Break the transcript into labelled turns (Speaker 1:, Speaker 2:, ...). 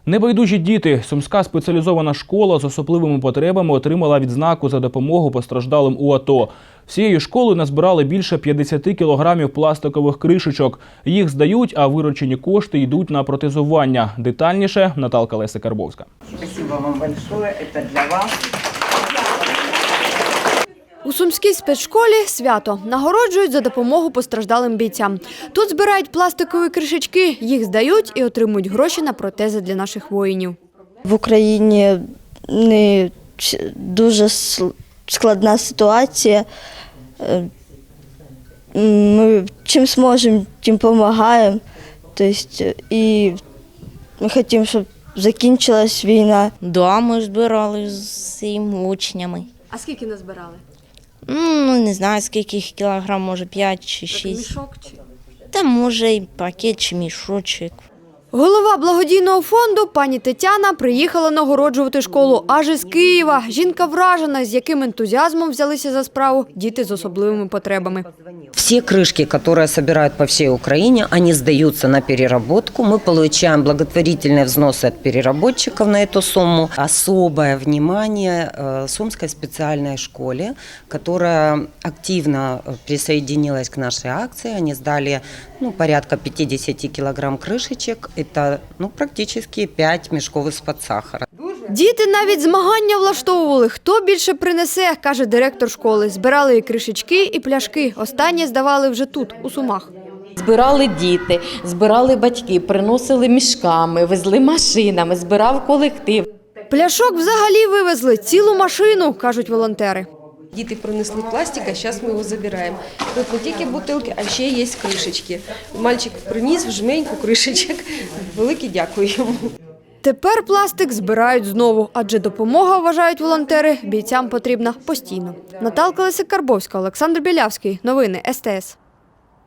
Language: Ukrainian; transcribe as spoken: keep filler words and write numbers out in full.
Speaker 1: Небайдужі діти. Сумська спеціалізована школа з особливими потребами отримала відзнаку за допомогу постраждалим у АТО. Всією школою назбирали більше п'ятдесят кілограмів пластикових кришечок. Їх здають, а виручені кошти йдуть на протезування. Детальніше Наталка Леся-Карбовська.
Speaker 2: Спасибо вам большое, это для вас.
Speaker 3: У Сумській спецшколі свято. Нагороджують за допомогу постраждалим бійцям. Тут збирають пластикові кришечки, їх здають і отримують гроші на протези для наших воїнів.
Speaker 4: В Україні не дуже складна ситуація. Ми чим зможемо, тим допомагаємо. Тобто, і ми хочемо, щоб закінчилась війна.
Speaker 5: Да, ми збирали з цими учнями.
Speaker 3: А скільки назбирали?
Speaker 5: Ну, не знаю, скільки їх кілограм, може п'ять чи шість.
Speaker 3: Мішок чи?
Speaker 5: Та може і пакет чи мішочок.
Speaker 3: Голова благодійного фонду пані Тетяна приїхала нагороджувати школу аж із Києва. Жінка вражена, з яким ентузіазмом взялися за справу діти з особливими потребами.
Speaker 6: Все крышки, которые собирают по всей Украине, они сдаются на переработку. Мы получаем благотворительные взносы от переработчиков на эту сумму. Особое внимание Сумской специальной школе, которая активно присоединилась к нашей акции. Они сдали ну, порядка пятьдесят килограмм крышечек. Это ну, практически пять мешков из-под сахара.
Speaker 3: Діти навіть змагання влаштовували. Хто більше принесе, каже директор школи. Збирали і кришечки, і пляшки. Останнє здавали вже тут, у Сумах.
Speaker 7: Збирали діти, збирали батьки, приносили мішками, везли машинами, збирав колектив.
Speaker 3: Пляшок взагалі вивезли цілу машину, кажуть волонтери.
Speaker 8: Діти принесли пластик, а зараз ми його забираємо. Тут не тільки бутилки, а ще є кришечки. Мальчик приніс в жменьку кришечок. Велике дякую йому.
Speaker 3: Тепер пластик збирають знову, адже допомога, вважають волонтери, бійцям потрібна постійно. Наталка Леся-Карбовська, Олександр Білявський. Новини ес те ес.